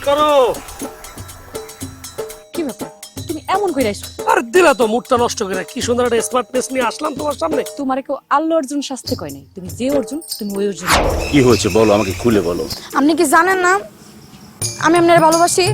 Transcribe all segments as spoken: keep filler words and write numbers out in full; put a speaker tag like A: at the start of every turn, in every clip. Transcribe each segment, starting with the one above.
A: করো।
B: কি ব্যাপার তুমি এমন কইরা আইছো?
A: আর দিলা তো মুডটা নষ্ট করে। কি সুন্দর একটা স্মার্ট ফেস নিয়ে আসলাম তোমার সামনে।
B: তোমারে কেউ আল্লু অর্জুন শাস্তি কয় নাই, তুমি যে অর্জুন তুমি ওই অর্জুন।
C: কি হয়েছে বলো, আমাকে খুলে বলো।
D: আপনি কি জানেন না আমি আপনার ভালোবাসি?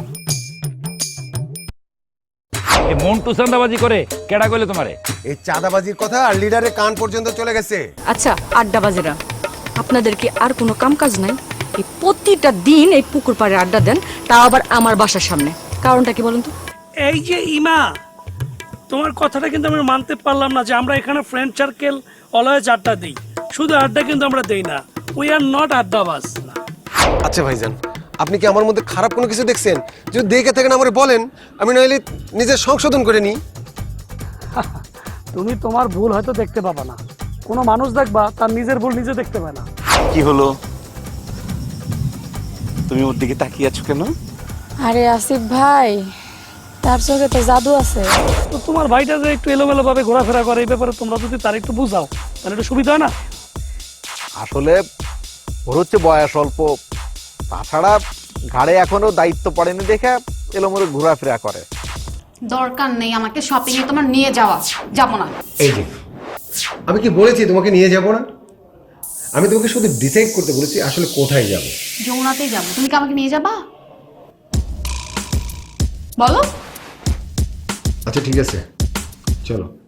E: এ মন্টু চাঁদাবাজি করে কেডা কইলে তোমারে?
F: এই চাঁদাবাজির কথা আর লিডারের কান পর্যন্ত চলে গেছে।
B: আচ্ছা আড্ডাবাজেরা, আপনাদের কি আর কোনো কাম কাজ নাই? এই প্রতিটা দিন এই পুকুর পাড়ে আড্ডা দেন, তাও আবার আমার বাসার সামনে। কারণটা কি বলুন তো?
A: এই যে ইমা, তোমার কথাটা কিন্তু আমি মানতে পারলাম না যে আমরা এখানে ফ্রেন্ড সার্কেল অলওয়েজ আড্ডা দিই। শুধু আড্ডা কিন্তু আমরা দেই না, উই আর নট আড্ডাবাজ।
F: আচ্ছা ভাইজান, আপনি কি আমার মধ্যে খারাপ কোনো কিছু দেখছেন? যদি দেখে থাকেন আমারে বলেন, আমি নইলে নিজের সংশোধন করে নিই।
A: তুমি তোমার ভুল হয়তো দেখতে পাবা না, কোনো মানুষ দেখবা তার নিজের ভুল নিজে দেখতে পায় না।
C: কি হলো, তুমি ওর দিকে তাকিয়ে আছো কেন?
D: আরে আসিফ ভাই, তার চোখে তো জাদু আছে।
A: তো তোমার ভাইটা যে একটু এলোমেলো ভাবে ঘোরাফেরা করে, এই ব্যাপারে তোমরা যদি তার একটু বুঝাও তাহলে একটু সুবিধা হয় না?
G: আসলে ওর হচ্ছে বয়স অল্প, তাছাড়া ঘাড়ে এখনো দায়িত্ব পড়েনি দেখে এলোমেলো ঘোরাফেরা করে।
H: দরকার নেই আমাকে শপিং এ তোমার নিয়ে যাওয়া, যাব না।
F: এই যে আমি কি বলেছি তোমাকে নিয়ে যাব না? আমি তোমাকে শুধু ডিসাইড করতে বলেছি আসলে কোথায় যাব।
H: যমুনাতেই যাব, তুমি কি আমাকে নিয়ে যাবা? বলো।
F: আচ্ছা ঠিক আছে, চলো।